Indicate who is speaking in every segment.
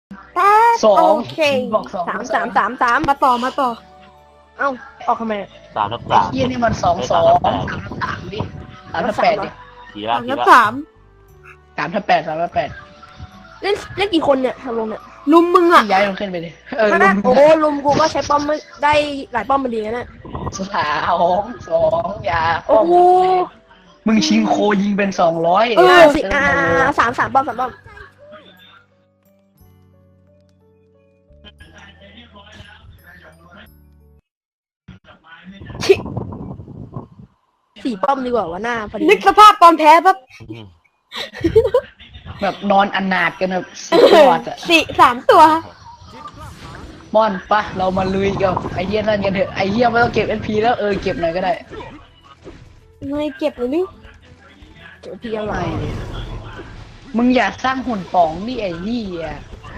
Speaker 1: สอง
Speaker 2: โอเค
Speaker 1: บอกสอง
Speaker 2: 3 มาต่อเอ้าออกทำไม
Speaker 3: 3/3
Speaker 1: ไอ้เหี้ยนี่มัน2 2 3 ดิ3 8 ดิ
Speaker 3: ขี่ละ
Speaker 2: 3
Speaker 3: ขี่
Speaker 2: แล้ว
Speaker 3: ละ
Speaker 2: 3
Speaker 1: 3 8
Speaker 2: เล่นกี่คนเนี่ยทำลงเนี่ยลุมมึงอ่ะ
Speaker 1: ย้ายมันขึ้นไปดิลุ
Speaker 2: นะ
Speaker 1: ม
Speaker 2: โอ้ลุมกูก็ใช้ป้อมไม่ได้หลายป้อมมันดีนะเนี่ย
Speaker 1: 2 อย่า
Speaker 2: โอ้โห
Speaker 1: มึงชิงโคยิงเป็น200
Speaker 2: สิสามป้อมชิ4 ป้อมดีกว่าวะหน้าพอดีนึกสภาพตอนแพ้ปั๊บ
Speaker 3: อืม
Speaker 1: แบบนอนอนาถกันแบบสุดยอดอะ
Speaker 2: 3 ตัว
Speaker 1: ม่อนปะเรามาลุยกับไอ้เหี้ยนั่นกันเถอะไอ้เหี้ยไม่ต้องเก็บ NP แล้วเก็บหน่อยก็ได้
Speaker 2: ไม่เก็บเลยนี่เก็บเพียงไร
Speaker 1: ไม่มึงอย่าสร้างหุ่นป๋องนี่ไอ้เหี้ย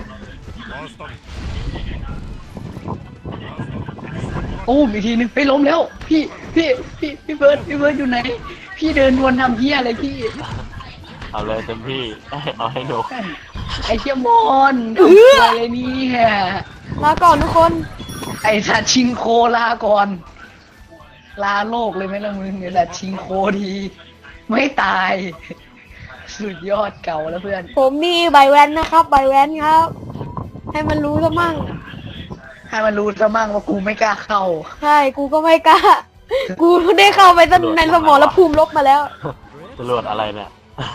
Speaker 1: อีกทีนึงไปล้มแล้วพี่เบิร์ดอยู่ไหนพี่เดินวนทำเหี้ยอะไรพี่
Speaker 3: เอาเลยเต็มที่เอาให้หนู
Speaker 1: ไอ้เชี่ยมอนทำอะไรนี่
Speaker 2: ลาก่อนทุกคน
Speaker 1: ไอ้สัตว์ชิงโคลาก่อนลาโลกเลยไหมล่ะมึงไอ้สัตว์ชิงโคดีไม่ตาย สุดยอดเก่าแล้วเพื่อน
Speaker 2: ผมมีใบแว้นนะครับใบแว้นครับ ให้มันรู้ซะมั่ง
Speaker 1: ให้มันรู้ซะมั่งว่ากูไม่กล้าเข้า
Speaker 2: ใช่กูก็ไม่กล้า กูได้เข้าไปในสมรภูมิลบมาแล้ว
Speaker 3: จรวดอะไรเนี่ย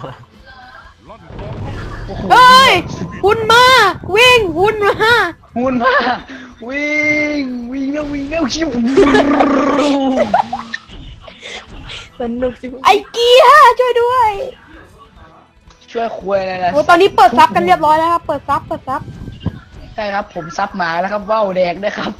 Speaker 1: โอ้โห
Speaker 2: เฮ้ยหุ่นมาวิ่งหุ่นมา
Speaker 1: หุ่นมาวิ่งแล้วชิว
Speaker 2: สนุกสิไอ้เกียร์ช่วยด้วย
Speaker 1: ช่วยคุยอะไรล่ะ
Speaker 2: โอ้ตอนนี้เปิดซับกันเรียบร้อยแล้วครับเปิดซับ
Speaker 1: ใช่ครับผมซับหมาแล้วครับว่าวแดกด้วยครับ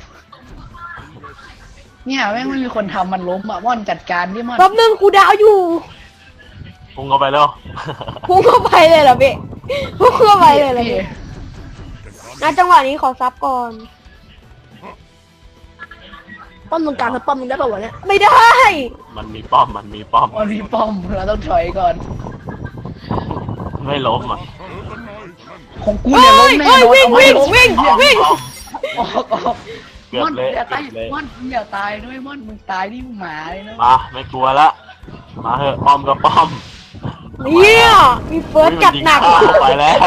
Speaker 1: เนี่ยแม่งไม่มีคนทำมันล้มอ่ะม่อนจัดการดิม่อน
Speaker 2: รอบนึงกูดาวอยู่
Speaker 3: พุ่งเข้าไปแล้ว
Speaker 2: พุ่งเข้าไปเลยเหรอเบ๊พุ่งเข้าไปเลยเหรอ
Speaker 1: พี่
Speaker 2: เบ๊นะจังหวะนี้ขอซับก่อนป้อมตรงกลางคือป้อมมึงได้ป่าวะเนี่ยไม่ได้
Speaker 3: มันมีป้อม
Speaker 1: มันมีป้อมเราต้องถอยก่อน
Speaker 3: ไม่ล้มอ่ะ
Speaker 1: ของกูเนี่ยล้มแน่นอน
Speaker 2: วิ่ง
Speaker 1: เอาไม่ล้ม
Speaker 2: วิ่ง
Speaker 1: ออก
Speaker 3: เกือ
Speaker 1: ม่
Speaker 3: บ
Speaker 1: อน
Speaker 3: เละ
Speaker 1: อย่าตาย
Speaker 3: เกือบเละ
Speaker 1: ม่อนมึงอย่าตายด้วยม่อนมึงตายที่หมาเลยนะ
Speaker 3: มาไม่กลัวละมาเถอะป้อมก็ป้อม
Speaker 2: เนี่ยมีเฟิร์สจัดหนัก
Speaker 3: อุ๊ยมันยิงเข้าไปแล้ว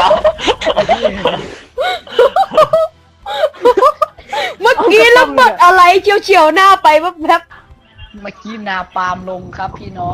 Speaker 2: เมื่อกี้ระเบิดอะไรเฉียวๆหน้าไปแป๊บ
Speaker 1: เมื่อกี้นาปาล์มลงครับพี่น้อง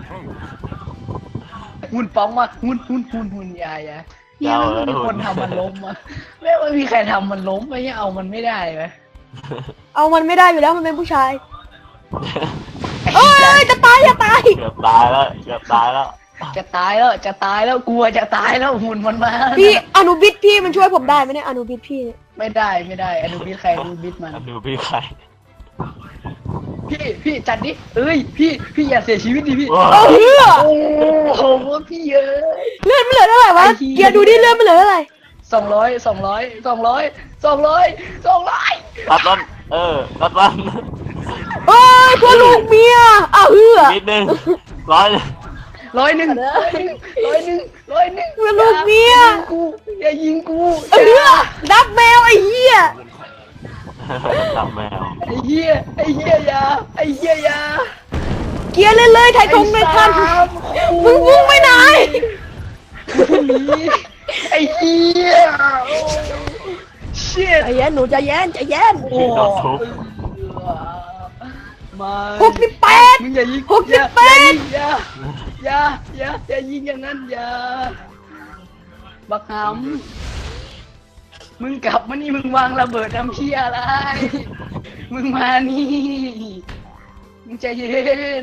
Speaker 1: หุ่นป้องมาหุ่นอย่าเนี่ยไม่มีคนทำมันล้มอ่ะไม่มีใครทำมันล้มไม่เอามันไม่ได้ไหม
Speaker 2: ๆเอามันไม่ได้อยู่แล้วมันเป็นผู้ชายเอ้ยจะตาย
Speaker 3: เกือบตายแล้ว
Speaker 1: จะตายแล้วกลัวจะตายแล้วหุ่นมันมา
Speaker 2: พี่อนุบิดพี่มันช่วยผมได้ไหมเนี่ยอนุบิดพี่เนี่ย
Speaker 1: ไม่ได้อนุบิดใครอนุบิดมัน
Speaker 3: ดูพี่ใคร
Speaker 1: พี่จัดดิพี่อย่าเสียชีวิตดิพี่
Speaker 3: ว้าว
Speaker 2: เอาเหี้ย
Speaker 1: โอ้โหพี่เยอะ
Speaker 2: เลือดมันเหลือเท่าไหร่วะ
Speaker 1: ไอ้เหี้ย
Speaker 2: เกียร์ดูดิเลือดมันเหลือเท่าไหร่
Speaker 1: 200
Speaker 3: ตัดมัน
Speaker 2: เอ้ยพวกลูกเมียอ้าวเหือ
Speaker 3: นิดนึงร้อย
Speaker 1: 100
Speaker 2: พวกลูกเมีย
Speaker 1: อย่ายิงกู
Speaker 2: เหือดับแมวไอ้เหี้ย
Speaker 3: จับแมว
Speaker 1: ไอ้เหี้ยอย่า
Speaker 2: เกียร์เลยไทยทงไม่ทันมึงพุ่งไปไหน
Speaker 1: หนีไอ้เหี้ยเชี่ย
Speaker 2: ใจเย็นหนูใจเย็น
Speaker 1: โอ้
Speaker 3: โดนทุบ
Speaker 1: มา
Speaker 2: 68
Speaker 1: มึงอย่ายิง
Speaker 2: 68
Speaker 1: อย่ายิงอย่างนั้นอย่าบักหำมึงกลับมานี่มึงวางระเบิดทำเชี่ยอะไร มึงมานี่มึงใจเย็น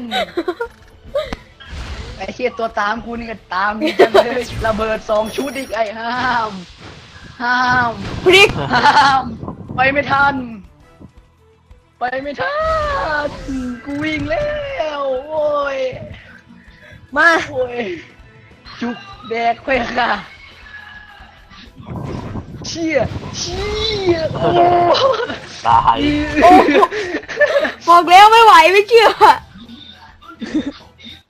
Speaker 1: ไอ้เชี่ยตัวตามกูนี่ก็ตามนี่จังเลยระเบิด2 ชุดอีกไอ้ห้าม
Speaker 2: พริก
Speaker 1: ไปไม่ทันกูวิ่งแล้วโอ้ย
Speaker 2: มา
Speaker 1: โอ้ยจุกแดกไปค่ะเชี่ยโอ้
Speaker 3: ตาย
Speaker 2: โอ้บอกแล้วไม่ไหวไม่เชื่อ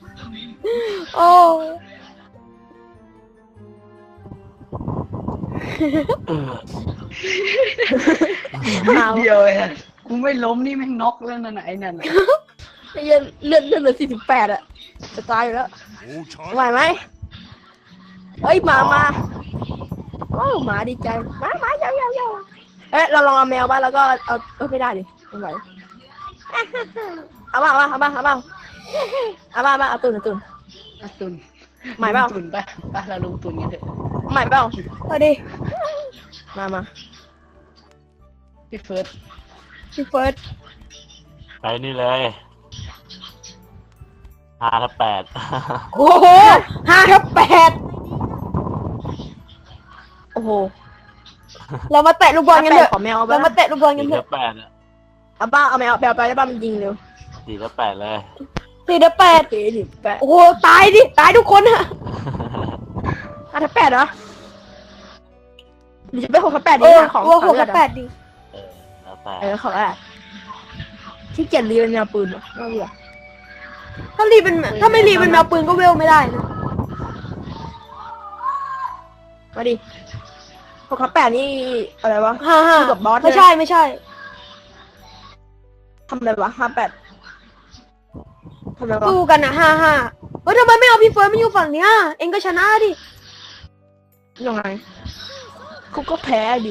Speaker 2: โอ้
Speaker 1: เดียวเองอะกูไม่ล้มนี่แม่งน็อกแล้วนั่นน่ะไอ้นั่นน่ะ
Speaker 2: ไอ้เหี้ยเลือดเหลือ48อะจะตายอยู่แล้วไหวไหมเฮ้ยมาโอ้หมาดีใจมาเยาเอ๊ะเราลองเอาแมวบ้างแล้วก็เอาไม่ได้ดิไม่ไหวเอาบ้างเอาตุน
Speaker 1: อ่ะตุน
Speaker 2: หมายเปล่า
Speaker 1: ตุนไปเราลงตุนกันเถอะ
Speaker 2: ใหม่เปล่าเอาดิมา
Speaker 1: พี่เฟิร์ส
Speaker 2: พี่เฟิร์ส
Speaker 3: ไปนี่เลย5 ทับ 8
Speaker 2: โอ้โห5 ทับ 8โอ้โหเรามาแตะลูกบอลกันเถอะ
Speaker 4: ขอแมวเอาไป
Speaker 2: เรามาแตะลูกบอลกันเถ
Speaker 3: 4 ทั
Speaker 2: อะ
Speaker 3: บ 8อ่ะ
Speaker 4: เอาบ้าเอาแมวไปได้บ้ามันยิงเร็ว
Speaker 3: 4 ทับ 8เลย
Speaker 2: 4 ทับ
Speaker 4: โอเคดิแปะ
Speaker 2: 8โอ้โหตายดิตายทุกคนอะ
Speaker 4: 5 ทับ 8เหรอหรือจะไป6 ทับ 8ดี
Speaker 2: เออ
Speaker 4: นะของ
Speaker 2: วัว
Speaker 4: ของ
Speaker 2: 6
Speaker 4: เลือ
Speaker 2: ทั
Speaker 4: ด
Speaker 2: บ
Speaker 4: อะ
Speaker 2: 8ดิ
Speaker 3: แล้วแต่
Speaker 4: ของอะไรที่เกียจรีเป็นแนวปืนวะไม่เบื่อ
Speaker 2: ถ้าไม่รีเป็นแมวปืนก็เวลไม่ได้นะ
Speaker 4: มาดิ6 ทับ 8นี่อะไรวะ
Speaker 2: 5
Speaker 4: สู้กับบอส
Speaker 2: ไม่ใช่
Speaker 4: ทำอะไรวะ5 8ทำอะไรวะ
Speaker 2: สู้กันอะ5เฮ้ยทำไมไม่เอาพี่เฟิร์สมาอยู่ฝั่งเนี้ยเองก็ชนะดิ
Speaker 4: ยังไงกูก็แพ้ดิ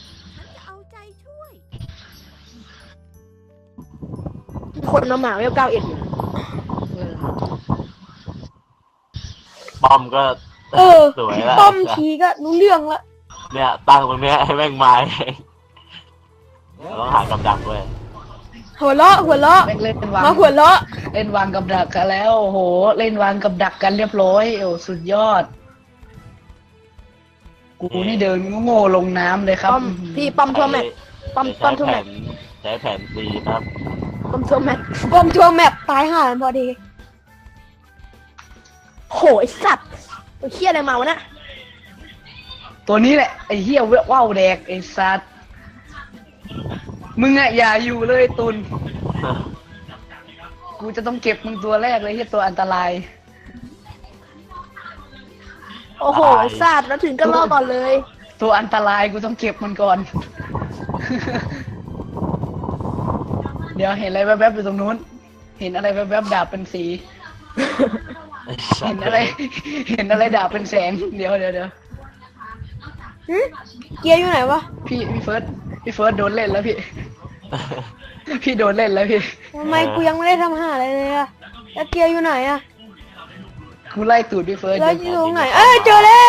Speaker 4: คนเอาหมาเวล91อยู่
Speaker 3: ป้อมก็
Speaker 2: เออ
Speaker 3: สวยแล้ว
Speaker 2: ป้อมทีก็รู้เรื่องละ
Speaker 3: เนี่ยตั้งตรงเนี้ยให้แม่งมาเองเราต้องหากับดักด้วย
Speaker 2: หัวเราะ
Speaker 1: แม่งเล่นวาง
Speaker 2: มาหัวเราะ
Speaker 1: เล่นวางกับดักกันแล้วโอ้โหเล่นวางกับดักกันเรียบร้อยโอ้สุดยอด กูนี่เดินโง่ๆลงน้ำเลยครับ
Speaker 4: ป้อมพี่ป้อมทั่วแมตช์ป้อม
Speaker 3: ใช้
Speaker 4: ทั่ว
Speaker 3: แผ
Speaker 4: แมต
Speaker 3: น
Speaker 4: ช์
Speaker 3: ใช้แผน C ครับ
Speaker 4: ป้อมทั่วแมตช์
Speaker 2: ป้อมทัวร์แมปตายห่ากันพอดี
Speaker 4: โหไอ้สัตว์ตัวเคี้ยอะไรมาวะน่ะ
Speaker 1: ตัวนี้แหละไอ้เหี้ยว่าวแดกไอ้สัตว์มึงอะอย่าอยู่เลยตุน กูจะต้องเก็บมึงตัวแรกเลยเหี้ยตัวอันตราย
Speaker 4: โอ้โหไอ้สัตว์แล้วถึงก็รอก่อนเลย
Speaker 1: ตัวอันตรายกูต้องเก็บมันก่อน เดี๋ยวเห็นอะไรแวบๆอยู่ตรงนู้น เห็นอะไรแวบๆดาบเป็นสี เห็นอะไร เห็นอะไรดาบเป็นแสง เดี๋ยว
Speaker 2: หึเกียร์อยู่ไหนวะ
Speaker 1: พี่เฟิร์สโดนเล่นแล้วพี่ พี่โดนเล่นแล้วพี่
Speaker 2: ทำไมกูยังไม่ได้ทำห่าอะไรเลยอะแล้วเกียร์อยู่ไหนอะ
Speaker 1: กูไล่ตูดพี่เฟิร์ส
Speaker 2: แล้วอยู่ตรงไหนเอ้ยเจอแล้ว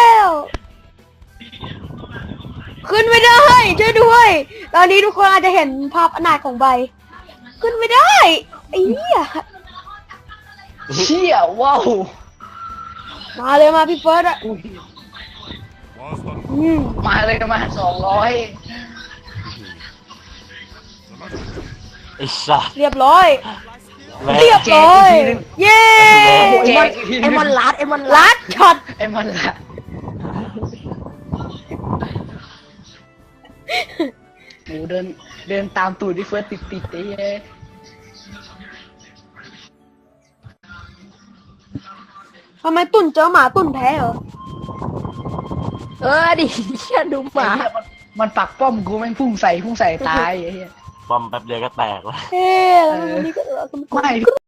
Speaker 2: ขึ้นไม่ได้ช่วยด้วย ตอนนี้ทุกคนอาจจะเห็นภาพอนาถของใบ ขึ้นไม่ได้ไอ้เหี้ย
Speaker 1: เชี่ยว้าว
Speaker 2: มาเลยมาพี่เฟิร์สอะ
Speaker 1: อุ้ย
Speaker 2: อืม
Speaker 1: มาเลยมา200
Speaker 3: ไอ้สัส
Speaker 2: เรียบร้อย
Speaker 3: แม่ง
Speaker 2: เรียบร้อย เย้
Speaker 4: โอ้โห
Speaker 1: แจกอีกที
Speaker 4: ไอ้มอนลัดไอ้มอนลั
Speaker 2: ลั
Speaker 4: ด
Speaker 2: ดช็อต
Speaker 1: ไอ้มันละหมูเดินตามตูดพี่เฟิร์สติดไอ้เหี้ย
Speaker 2: ทำไมตุ่นเจอหมาตุ่นแพ้เหรอ
Speaker 4: ดิเชี่ยดูหมา
Speaker 1: ไอ้เหี้ยมันปักป้อมกูแม่งพุ่งใส่ตายไอ้เหี้ย
Speaker 3: ป้อมแป๊บเดียวก็แตกแล้ว
Speaker 2: เฮ้แล้ววันนี้ก็
Speaker 1: ไม่